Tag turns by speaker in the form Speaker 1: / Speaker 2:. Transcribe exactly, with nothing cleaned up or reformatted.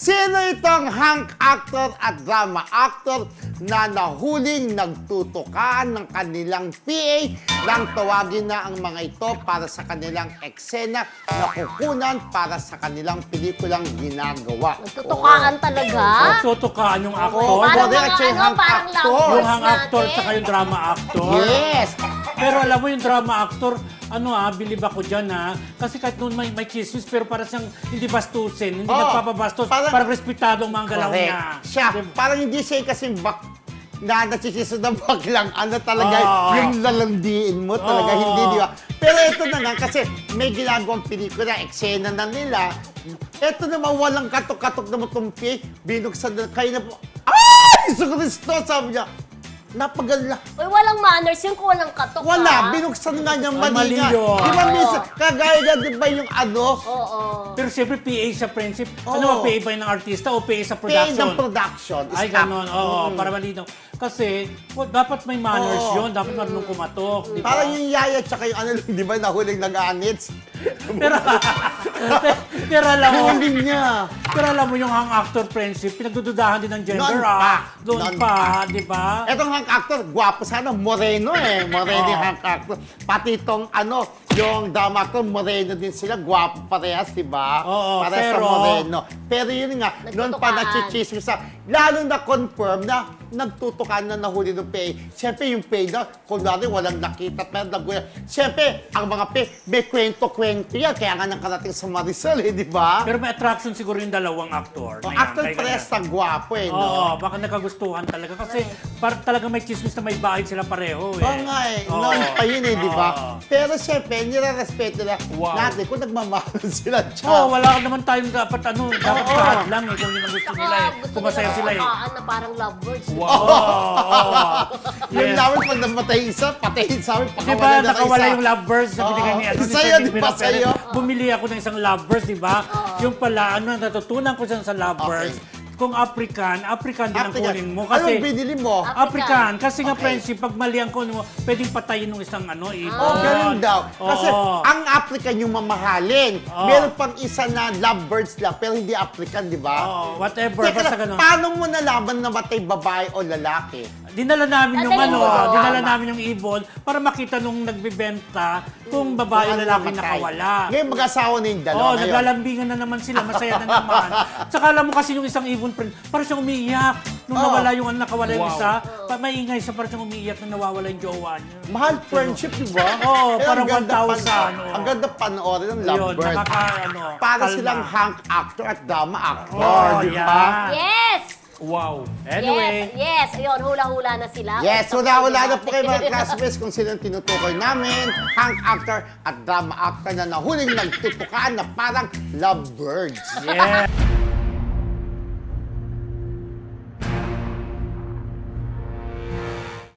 Speaker 1: Sino itong hunk actor at drama actor na nahuling nagtutukan ng kanilang P A nang tawagin na ang mga ito para sa kanilang eksena na kukunan para sa kanilang pelikulang ginagawa?
Speaker 2: Nagtutukaan talaga?
Speaker 3: Tutukaan yung actor.
Speaker 1: Oo,
Speaker 2: Parang
Speaker 1: correct,
Speaker 2: mga
Speaker 1: siya yung
Speaker 2: ano,
Speaker 1: hunk
Speaker 2: parang
Speaker 1: actor.
Speaker 2: lovers
Speaker 3: Yung hang actor
Speaker 2: natin.
Speaker 3: tsaka yung drama actor.
Speaker 1: Yes!
Speaker 3: Pero alam mo yung drama actor, ano ah, bilib ako dyan ah. Kasi kahit noon may, may chismis, pero para siyang hindi bastusin, hindi
Speaker 1: Oo,
Speaker 3: nagpapabastos,
Speaker 1: parang-
Speaker 3: parang, respetado ang mga galaw
Speaker 1: Correct.
Speaker 3: niya.
Speaker 1: Siya, parang hindi siya kasing bak na nagsisiso na baklang ano talaga
Speaker 3: Oo.
Speaker 1: yung lalandiin mo talaga,
Speaker 3: Oo.
Speaker 1: hindi di ba? Pero ito na nga, kasi may ginagawang pelikula, eksena na nila. Ito naman, walang katok-katok na matumpi, binuksan na, kayo na po, ay! Iso Kristo, sabi niya, napagala.
Speaker 2: Uy, walang manners yun kung walang katok.
Speaker 1: Wala,
Speaker 2: ah.
Speaker 1: binuksan nga niya
Speaker 3: Ay,
Speaker 1: mali
Speaker 3: mali
Speaker 1: nga.
Speaker 3: yun.
Speaker 1: Di ba,
Speaker 2: Oo.
Speaker 1: miss, kagaya na, di ba yung ano,
Speaker 2: Oo.
Speaker 3: Pero siyempre P A sa friendship.
Speaker 1: Oo.
Speaker 3: Ano ba, P A ba yun ng artista o P A sa
Speaker 1: pay
Speaker 3: production?
Speaker 1: ng production.
Speaker 3: Ay,
Speaker 1: staff.
Speaker 3: ganon. Oo,
Speaker 1: Mm.
Speaker 3: para malinaw. Kasi, well, dapat may manners
Speaker 1: Oo.
Speaker 3: yun. Dapat marunong kumatok. Di ba?
Speaker 1: Parang yung yaya tsaka yung ano, di ba, nahuling nag-anits.
Speaker 3: Pero, pero alam mo,
Speaker 1: Huling niya.
Speaker 3: pero alam mo yung hang actor friendship, pinagdududahan din ng gender
Speaker 1: Noon pa.
Speaker 3: ah. Doon
Speaker 1: Noon
Speaker 3: pa,
Speaker 1: pa.
Speaker 3: di ba?
Speaker 1: Etong hunk actor, gwapo sana, moreno eh. Moreno yung
Speaker 3: Oo.
Speaker 1: hunk actor. Pati itong ano, yung drama actor, moreno din sila. Gwapo parehas, di ba?
Speaker 3: Oo,
Speaker 1: Parehas
Speaker 3: pero-
Speaker 1: sa moreno. Pero yun nga, noon pa
Speaker 2: Nagtutukaan.
Speaker 1: nachichismis sa, lalo na confirm na nagtutukan na nahuli ng P A. Siyempre yung P A na, kunwari walang nakita, pero nagulat. Siyempre, ang mga P A, may kwento-kwento yan. Kaya nga nakarating sa Marisol eh, di ba?
Speaker 3: Pero may attraction siguro yung dalawang actor.
Speaker 1: Oh,
Speaker 3: na yan,
Speaker 1: actor
Speaker 3: kaya
Speaker 1: parehas
Speaker 3: ganyan.
Speaker 1: sa gwapo eh, no?
Speaker 3: Oo, baka nakagustuhan talaga. Kasi par talaga may chismis na may bahay sila pareho eh.
Speaker 1: Oo nga eh.
Speaker 3: Oo.
Speaker 1: Noon pa yun eh, di ba?
Speaker 3: Oo.
Speaker 1: Pero syempre, nire-respeto na
Speaker 3: Wow.
Speaker 1: natin kung nagmamahalan sila.
Speaker 3: Oo,
Speaker 1: Tsaka,
Speaker 3: wala naman tayong dapat ano, dapat
Speaker 1: Oo.
Speaker 3: lahat lang eh, kung yun ang gusto
Speaker 2: Saka
Speaker 3: nila eh.
Speaker 2: gusto
Speaker 3: Kung masaya
Speaker 2: nila
Speaker 3: sila eh.
Speaker 2: tutukaan na parang lovebirds.
Speaker 3: Wow! Oo.
Speaker 1: yung
Speaker 3: Yes.
Speaker 1: namin pag namatay isa, patayin sa amin,
Speaker 3: Di
Speaker 1: pakawala
Speaker 3: ba,
Speaker 1: na
Speaker 3: nakawala
Speaker 1: isa.
Speaker 3: yung lovebirds na binigay ni
Speaker 1: Oo.
Speaker 3: ano, ni
Speaker 1: Sa'yo,
Speaker 3: Freddy
Speaker 1: di ba,
Speaker 3: Mirapel.
Speaker 1: sa'yo?
Speaker 3: Bumili ako ng isang lovebirds, di ba? Yung pala, ano, natutunan ko siya sa lovebirds. Kung African, African din ang
Speaker 1: African.
Speaker 3: kunin mo. Kasi,
Speaker 1: Anong binili mo?
Speaker 2: Ah,
Speaker 3: African. Kasi nga
Speaker 1: Okay.
Speaker 3: friendship, pag mali ang kunin mo, pwedeng patayin ng isang ano, ibon.
Speaker 1: Oh, ganun daw. Kasi
Speaker 3: Oo.
Speaker 1: ang African yung mamahalin.
Speaker 3: Oo.
Speaker 1: Meron pang isa na lovebirds lang, pero hindi African, di ba?
Speaker 3: Oo, whatever,
Speaker 1: Teka
Speaker 3: basta
Speaker 1: lang,
Speaker 3: ganun.
Speaker 1: paano mo nalaman na matay babae o lalaki?
Speaker 3: Dinala namin yung
Speaker 2: Dadalhin
Speaker 3: ano,
Speaker 2: mo doon.
Speaker 3: dinala namin yung ibon para makita nung nagbebenta kung babae o
Speaker 1: Kung ano
Speaker 3: lalaki
Speaker 1: namatay.
Speaker 3: nakawala.
Speaker 1: Ngayon mag-asawa na yung dalawa
Speaker 3: Oo,
Speaker 1: ngayon.
Speaker 3: naglalambingan na naman sila, masaya na naman. Tsaka alam mo kasi yung isang ibon friend, parang siyang umiiyak. Nung
Speaker 1: Oo.
Speaker 3: nawala yung ano, nakawala yung
Speaker 1: Wow.
Speaker 3: isa, pa, maingay siya, parang siyang umiiyak na nawawala yung jowa niya.
Speaker 1: Mahal friendship, di ba?
Speaker 3: Oo,
Speaker 1: Eh,
Speaker 3: parang
Speaker 1: ang ganda
Speaker 3: one thousand,
Speaker 1: pan-
Speaker 3: oo.
Speaker 1: Ang ganda panoorin ng
Speaker 3: Yun,
Speaker 1: lovebird.
Speaker 3: nakaka, ano,
Speaker 1: Para
Speaker 3: kalma.
Speaker 1: silang hunk actor at drama actor,
Speaker 3: Oh,
Speaker 1: di ba?
Speaker 3: yeah.
Speaker 2: Yes!
Speaker 3: Wow. Anyway.
Speaker 2: Yes, yes. Ayun, hula-hula na sila.
Speaker 1: Yes,
Speaker 2: Kung
Speaker 1: wala-wala na
Speaker 2: natin.
Speaker 1: po kayo mga classmates kung sino ang tinutukoy namin. Hunk actor at drama actor na nahuling nagtutukaan na parang lovebirds.
Speaker 3: Yeah.